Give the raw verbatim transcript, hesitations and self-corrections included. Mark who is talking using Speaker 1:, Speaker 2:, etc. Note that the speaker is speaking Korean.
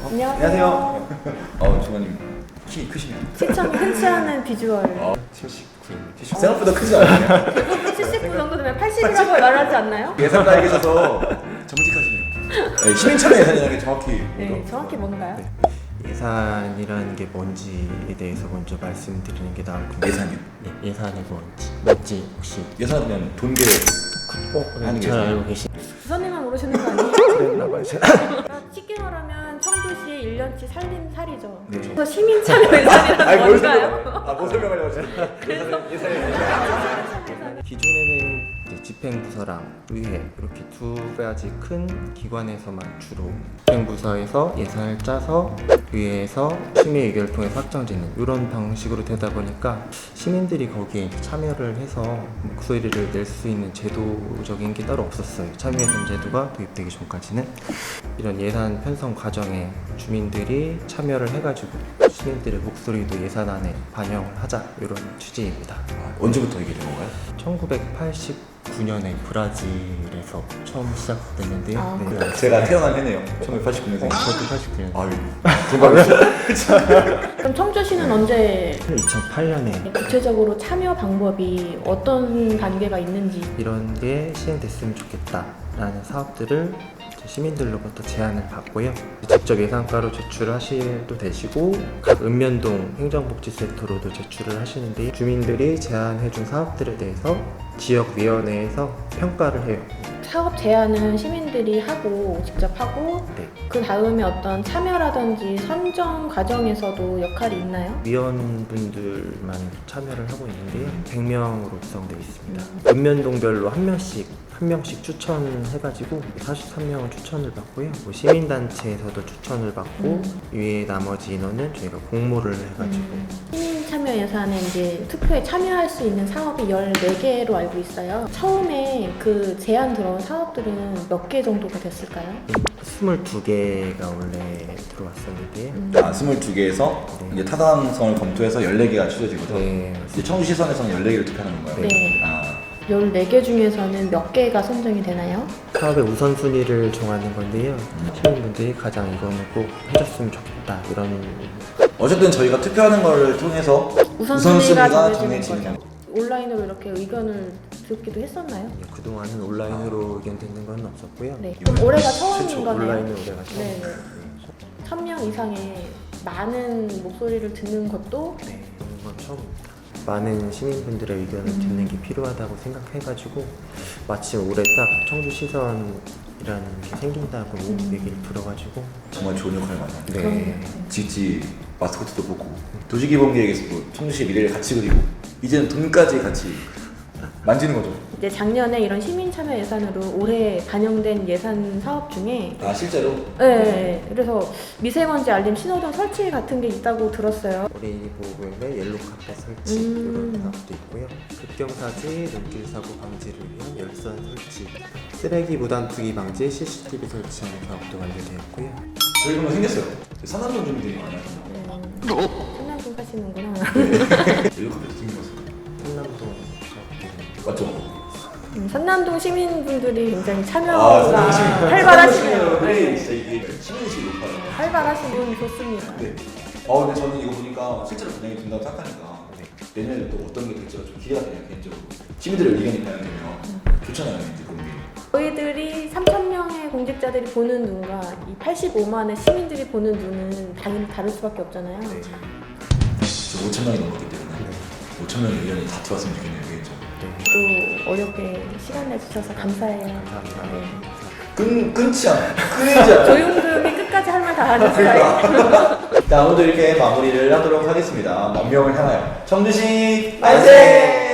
Speaker 1: 안녕하세요.
Speaker 2: 안녕하세요. 어, 주관님 키 크시네요.
Speaker 1: 시청이 흔치 않은 비주얼.
Speaker 2: 어, 칠십구. 생각보다 크지 않아요?
Speaker 1: 대부분 칠십구 정도 되면 팔십이라고 말하지 않나요?
Speaker 2: 예산가에 계셔서 정직하시네요. 네, 시민참여 예산이라는 게 정확히
Speaker 1: 네,
Speaker 2: 뭐죠?
Speaker 1: 정확히 뭔가요?
Speaker 3: 네. 예산이라는 게 뭔지에 대해서 먼저 말씀드리는 게 나을 것 같아요.
Speaker 2: 예산이요?
Speaker 3: 네, 예산이 뭔지 뭔지 혹시
Speaker 2: 예산은 그냥 돈 계획
Speaker 3: 어,
Speaker 2: 하는 게
Speaker 3: 잘
Speaker 2: 예산.
Speaker 3: 알고 계시?
Speaker 1: 부사님만 모르시는 거 아니에요?
Speaker 3: 그랬나봐요.
Speaker 1: 그러니까 쉽게 말하면 청주시의 일 년치 살림살이죠.
Speaker 2: 네.
Speaker 1: 그래서 시민 참여 예산이란 뭔가요?
Speaker 2: 아, 뭐 설명하려고 하시는 예산이 예산이
Speaker 3: 기존에는 이제 집행부서랑 의회 이렇게 두 가지 큰 기관에서만 주로 집행부서에서 예산을 짜서 의회에서 시민 의견을 통해 확정짓는 이런 방식으로 되다 보니까 시민들이 거기에 이제 참여를 해서 목소리를 낼 수 있는 제도적인 게 따로 없었어요. 참여예산 제도가 도입되기 전까지는 이런 예산 편성 과정에 주민들이 참여를 해가지고 시민들의 목소리도 예산안에 반영을 하자 이런 취지입니다.
Speaker 2: 아, 언제부터 이게 된 건가요?
Speaker 3: 천구백팔십구 년에 브라질에서 처음 시작됐는데요.
Speaker 1: 아,
Speaker 3: 네.
Speaker 1: 그래요?
Speaker 2: 제가 태어난 해네요. 천구백팔십구 년생.
Speaker 3: 저도 팔십구 년.
Speaker 2: 아유, 정말요?
Speaker 1: 그럼 청주시는 언제
Speaker 3: 이천팔 년에
Speaker 1: 구체적으로 참여 방법이 어떤 단계가 있는지
Speaker 3: 이런 게 시행됐으면 좋겠다라는 사업들을 시민들로부터 제안을 받고요. 직접 예산가로 제출하셔도 되시고 각 읍면동 행정복지센터로도 제출을 하시는데 주민들이 제안해준 사업들에 대해서 지역위원회에서 평가를 해요.
Speaker 1: 사업 제안은 시민들이 하고 직접 하고
Speaker 3: 네.
Speaker 1: 그 다음에 어떤 참여라든지 선정 과정에서도 역할이 있나요?
Speaker 3: 위원분들만 참여를 하고 있는데요. 백 명으로 구성되어 있습니다. 읍면동별로 한 명씩 한 명씩 추천해가지고 사십삼 명은 추천을 받고요. 뭐 시민단체에서도 추천을 받고
Speaker 1: 음.
Speaker 3: 위에 나머지 인원은 저희가 공모를 해가지고
Speaker 1: 음, 시민 참여 예산에 이제 투표에 참여할 수 있는 사업이 열네 개로 알고 있어요. 처음에 그 제안 들어온 사업들은 몇 개 정도가 됐을까요?
Speaker 3: 스물두 개가 원래 들어왔었는데요.
Speaker 1: 음.
Speaker 2: 아, 스물두 개에서
Speaker 3: 네.
Speaker 2: 이제 타당성을 검토해서 열네 개가 추려진 거죠?
Speaker 3: 네.
Speaker 2: 이제 청주시선에서는 열네 개를 투표하는 건가요?
Speaker 1: 네.
Speaker 2: 아,
Speaker 1: 열네 개 중에서는 몇 개가 선정이 되나요?
Speaker 3: 사업의 우선순위를 정하는 건데요. 시민분들이 가장 이거는 꼭 해줬으면 좋겠다 이런
Speaker 2: 어쨌든 저희가 투표하는 걸 통해서
Speaker 1: 우선순위가 정해지는
Speaker 2: 정해지는
Speaker 1: 거죠. 온라인으로 이렇게 의견을 듣기도 했었나요?
Speaker 3: 그동안은 온라인으로 의견 듣는 건 없었고요.
Speaker 1: 네. 그럼 올해가 처음인
Speaker 3: 최초
Speaker 1: 거네요.
Speaker 3: 온라인은 올해가 처음.
Speaker 1: 네. 천 명 이상의 많은 목소리를 듣는 것도
Speaker 3: 네, 그런 건 처음입니다. 많은 시민분들의 의견을
Speaker 1: 음.
Speaker 3: 듣는 게 필요하다고 생각해가지고 마침 올해 딱 청주시선이라는 게 생긴다고
Speaker 1: 음.
Speaker 3: 얘기를 들어가지고
Speaker 2: 정말 좋은 역할을 많이 하는
Speaker 3: 네.
Speaker 2: 지지 마스코트도 보고 도시기본계획에서도 청주시의 미래를 같이 그리고 이제는 돈까지 같이 만지는 거죠.
Speaker 1: 이제 작년에 이런 시민 참여 예산으로 올해 반영된 예산 사업 중에
Speaker 2: 아, 실제로?
Speaker 1: 네, 그래서 미세먼지 알림 신호등 설치 같은 게 있다고 들었어요.
Speaker 3: 어린이 보호구역의 옐로 카펫 설치
Speaker 1: 음.
Speaker 3: 이런 사업도 있고요. 급경사지, 눈길 사고 방지를 위한 열선 설치, 쓰레기 무단 투기 방지 씨씨티비 설치하는 사업도 완료되었고요.
Speaker 2: 저희 그런 거 생겼어요. 산남동 주민들이 많아요.
Speaker 1: 네, 끝나고 가시는구나.
Speaker 2: 옐로 카페도 생겼어요.
Speaker 3: 한남동 사업도
Speaker 2: 맞죠?
Speaker 1: 음, 산남동 시민분들이 굉장히
Speaker 2: 아,
Speaker 1: 참여가
Speaker 2: 산남동 시민.
Speaker 1: 활발하시네요.
Speaker 2: 네, 진짜 이게 시민의식이 높아요.
Speaker 1: 활발하신 분 좋습니다.
Speaker 2: 네. 어, 근데 저는 이거 보니까 실제로 반영이 된다고 생각하니까 내년에 또 어떤 게 될지가 좀 기대가 돼요, 개인적으로. 시민들의 의견이 반영되면 좋잖아요, 이제 그런 게.
Speaker 1: 저희들이 삼천 명의 공직자들이 보는 눈과 이 팔십오만의 시민들이 보는 눈은 당연히 다를 수밖에 없잖아요.
Speaker 3: 네.
Speaker 2: 저 오천 명이 넘었기 때문에 오천 명의 의견이 다 들어왔으면 좋겠네요, 개인적으로.
Speaker 1: 또 어렵게 시간 내주셔서 감사해요.
Speaker 3: 감사합니다.
Speaker 1: 네.
Speaker 2: 끊, 끊지 않아. 끊이지 않아.
Speaker 1: 조용금이 끝까지 할 말 다 하는 스타일.
Speaker 2: 자, 오늘도 이렇게 마무리를 하도록 하겠습니다. 만 명을 향하여 청주시 만세!